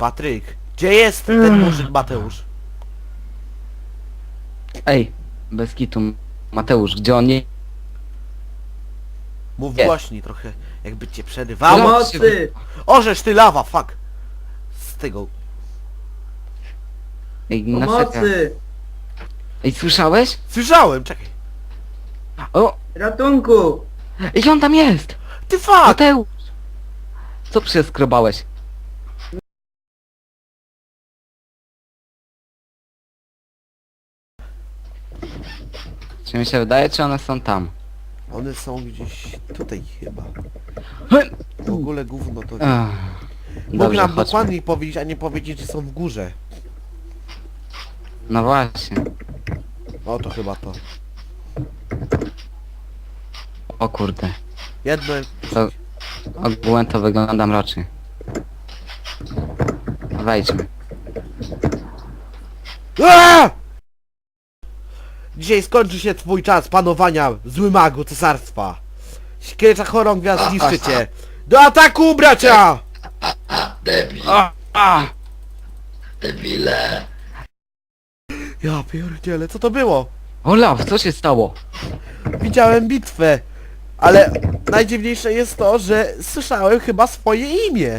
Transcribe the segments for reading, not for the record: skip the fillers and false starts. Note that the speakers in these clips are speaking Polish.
Patryk, gdzie jest ten murzyn Mateusz? Ej, bez kitu. Mateusz, gdzie on nie... Mów Nie. głośniej trochę, jakby cię przerywało. Pomocy! Orzesz ty lawa, fuck! Z tego... Ej, na serio. Pomocy! Ej, słyszałeś? Słyszałem, czekaj. O! Ratunku! Ej, on tam jest! Ty fuck! Mateusz! Co przeskrobałeś? Czy mi się wydaje, czy one są tam? One są gdzieś tutaj chyba. Hm. W ogóle gówno to... Ach, Mógł dobrze, nam chodźmy. dokładniej powiedzieć, a nie powiedzieć, że są w górze. No właśnie. O, to chyba to. O kurde. Jedno... To ogółem to wygląda mrocznie. Wejdźmy. Aaaa! Dzisiaj skończy się twój czas panowania zły magu cesarstwa. Szkielcza chorągwia zniszczy cię. Do ataku, bracia! Debil, A! debile. Ja pierdzielę, co to było? Olaf, co się stało? Widziałem bitwę, ale najdziwniejsze jest to, że słyszałem chyba swoje imię.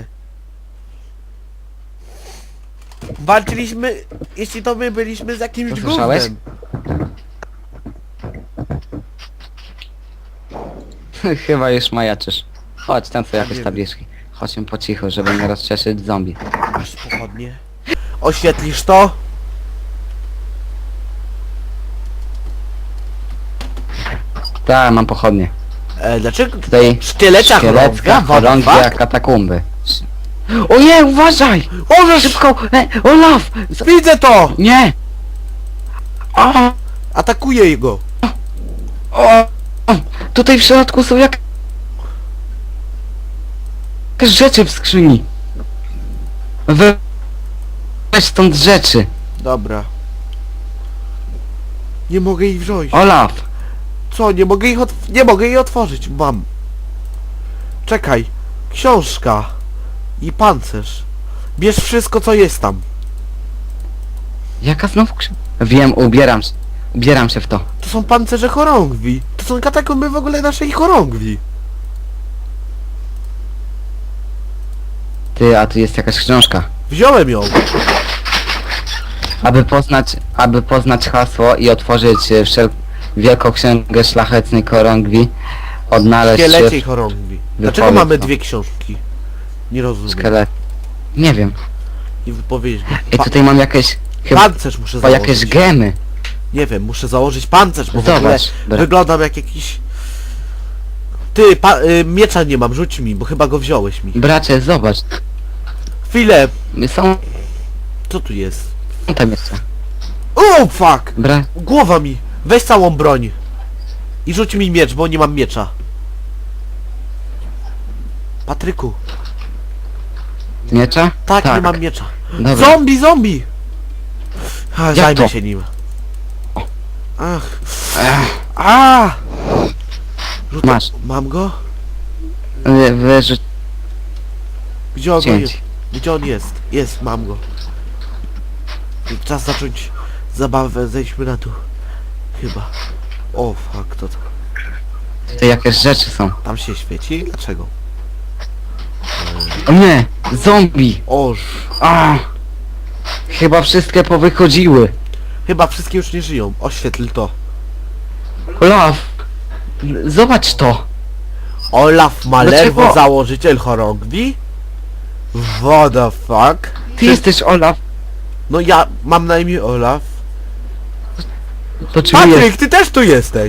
Walczyliśmy, jeśli to my byliśmy z jakimś To słyszałeś? gównem. Chyba już majaczysz. Chodź, tam są jakieś wiem. tabliczki. Chodźmy po cichu, żeby nie rozczeszyć zombie. Masz pochodnie. Oświetlisz to? Tak, mam pochodnie. Dlaczego Tutaj szkielecia szkielecka chorągwia chorągwia? katakumby. O nie, uważaj! Orzesz! Szybko! Olaf! Widzę to! Nie! O! Atakuję go! O! Tutaj w środku są jakieś rzeczy w skrzyni. Weź stąd rzeczy. Dobra. Nie mogę ich wziąć. Olaf! Co? Nie mogę ich nie mogę jej otworzyć. Mam. Czekaj. Książka. I pancerz. Bierz wszystko, co jest tam. Jaka znowu Wiem, ubieram się w to. To są pancerze chorągwi. To są katakomby w ogóle naszej chorągwi. Ty, a tu jest jakaś książka. Wziąłem ją. Aby poznać hasło i otworzyć wielką księgę szlachetnej chorągwi, odnaleźć Szkieleciej chorągwi. Dlaczego Wypowiedz mamy to. dwie książki? Nie rozumiem. szkielet. Nie wiem. Nie wypowiedzieć go. I tutaj mam jakieś... Chyba Pancerz muszę założyć. jakieś gemy. Nie wiem, muszę założyć pancerz, bo w ogóle Zobacz. wyglądam jak jakiś... Ty, miecza nie mam, rzuć mi, bo chyba go wziąłeś mi. Bracie, zobacz. Chwilę, Są co tu jest? tam jeszcze. O, fuck! Bra... Głowa mi! Weź całą broń. I rzuć mi miecz, bo nie mam miecza. Patryku. Miecza? Tak, nie mam miecza. Dobra. Zombie, zombie! A, Jak zajmę to? się nim. Ach. Ech, A! Masz. Mam go? wyrzuć Gdzie on jest? cięć. Gdzie on jest? Jest, mam go. Czas zacząć zabawę, zejdźmy na dół. Chyba. O, fuck, to... Tutaj jakieś rzeczy są. Tam się świeci? Dlaczego? O nie! Zombie! Oż. A! Chyba wszystkie powychodziły. Chyba wszystkie już nie żyją. Oświetl to. Olaf! Zobacz to! Olaf Malerwo, Dlaczego? założyciel chorągwi? What the fuck? Ty jesteś Olaf! No ja mam na imię Olaf. To czy Patryk, ty też tu jesteś!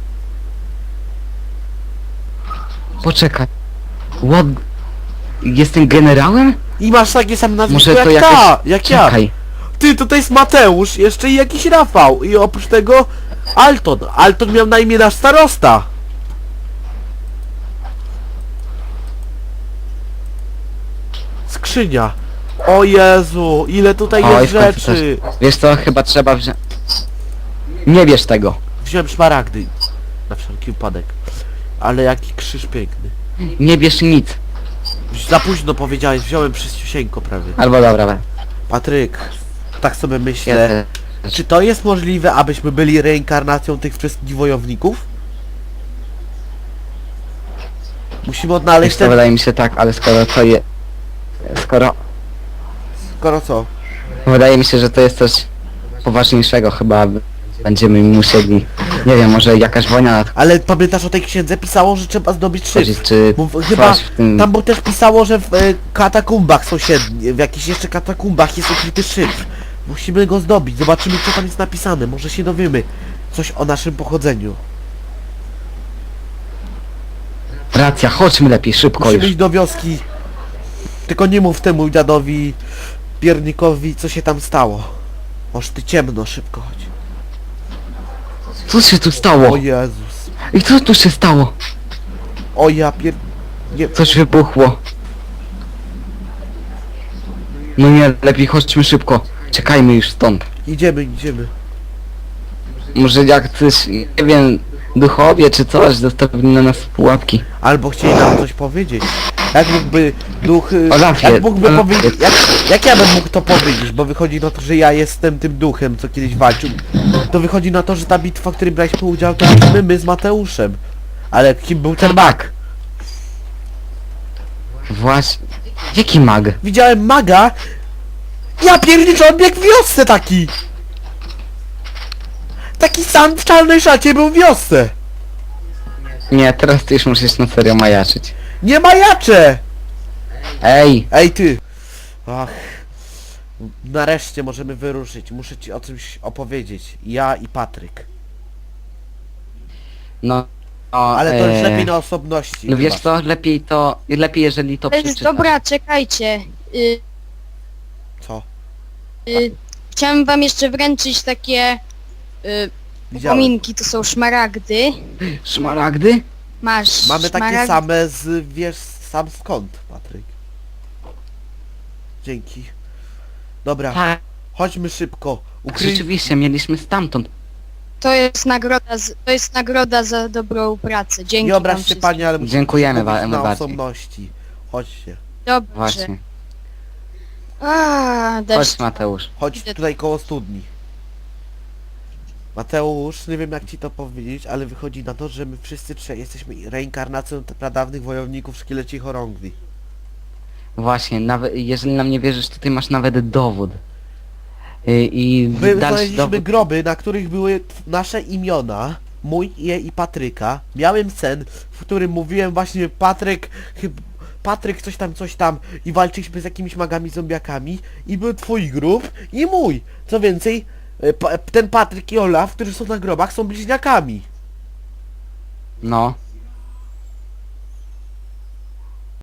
Poczekaj. What? Jestem generałem? I masz takie same nazwisko Może jak to jakieś... jak ja. Czekaj. Ty, tutaj jest Mateusz, jeszcze i jakiś Rafał. I oprócz tego Alton. Alton miał na imię nasz starosta. Skrzynia. O Jezu, ile tutaj Oj, jest w końcu rzeczy. Wiesz co, chyba trzeba wziąć... Nie bierz tego. Wziąłem szmaragdy. Na wszelki wypadek. Ale jaki krzyż piękny. Nie bierz nic. Już za późno powiedziałeś, wziąłem wszystciusieńko prawie. Albo dobra, we. Patryk, tak sobie Ja myślę, też. czy to jest możliwe, abyśmy byli reinkarnacją tych wszystkich wojowników? Musimy odnaleźć Wiesz co, ten... wydaje mi się tak, ale skoro to je... Skoro... Skoro co? Wydaje mi się, że to jest coś poważniejszego chyba. Będziemy musieli... Nie wiem, może jakaś wojna Ale pamiętasz, o tej księdze pisało, że trzeba zdobyć nadchodzić, szyb. czy Chyba coś w tym... tam było też pisało, że w katakumbach sąsiednich, w jakichś jeszcze katakumbach jest ukryty szyfr. Musimy go zdobyć, zobaczymy co tam jest napisane, może się dowiemy coś o naszym pochodzeniu. Racja, chodźmy lepiej, szybko Musimy już. iść do wioski. Tylko nie mów temu dziadowi piernikowi, co się tam stało. Może ty ciemno, szybko chodź. Co się tu stało? O Jezus. I co tu się stało? O ja pier... Nie... Coś wybuchło. No nie, lepiej chodźmy szybko. Czekajmy już stąd. Idziemy, idziemy. Może jak coś, nie wiem, duchowie czy coś zostawili na nas pułapki. Albo chcieli nam coś powiedzieć. Jak mógłby duch... Olafie, jak mógłby Olafie. powiedzieć... Jak ja bym mógł to powiedzieć? Bo wychodzi na to, że ja jestem tym duchem, co kiedyś walczył. To wychodzi na to, że ta bitwa, w której braliśmy udział, to byliśmy my z Mateuszem. Ale kim był ten mag? Właśnie. Jaki mag? Widziałem maga. Ja pierniczę, on biegł w wiosce taki. Taki sam w czarnej szacie był w wiosce. Nie, teraz ty już musisz na serio majaczyć. Nie majacze. Ej, Ej ty! Ach, nareszcie możemy wyruszyć. Muszę ci o czymś opowiedzieć. Ja i Patryk. no... no Ale to już lepiej na osobności. No wiesz chyba. co, lepiej jeżeli to przeczytasz. Dobra, czekajcie. Co? Chciałem wam jeszcze wręczyć takie Widziałem. upominki, to są szmaragdy. Szmaragdy? Masz Mamy takie szmaragd- same z... wiesz sam skąd, Patryk. Dzięki. Dobra, Tak, chodźmy szybko. Ukryj... rzeczywiście, mieliśmy stamtąd. To jest nagroda za dobrą pracę. Dzięki Nie wam obraź się wszystkim. pani, ale musimy Dziękujemy się wam mówić na bardziej. osobności. Chodźcie. Dobrze. Właśnie. Deszcz. Chodź Mateusz. Chodź Idę. tutaj koło studni. Mateusz, nie wiem jak ci to powiedzieć, ale wychodzi na to, że my wszyscy trzej jesteśmy reinkarnacją pradawnych wojowników szkieleci chorągwi. Właśnie, nawet jeżeli nam nie wierzysz, to ty masz nawet dowód. I My dalszy znaleźliśmy dowód. groby, na których były nasze imiona, mój i Patryka. Miałem sen, w którym mówiłem właśnie Patryk coś tam i walczyliśmy z jakimiś magami zombiakami i był twój grób i mój. Co więcej, ten Patryk i Olaf, którzy są na grobach, są bliźniakami. No.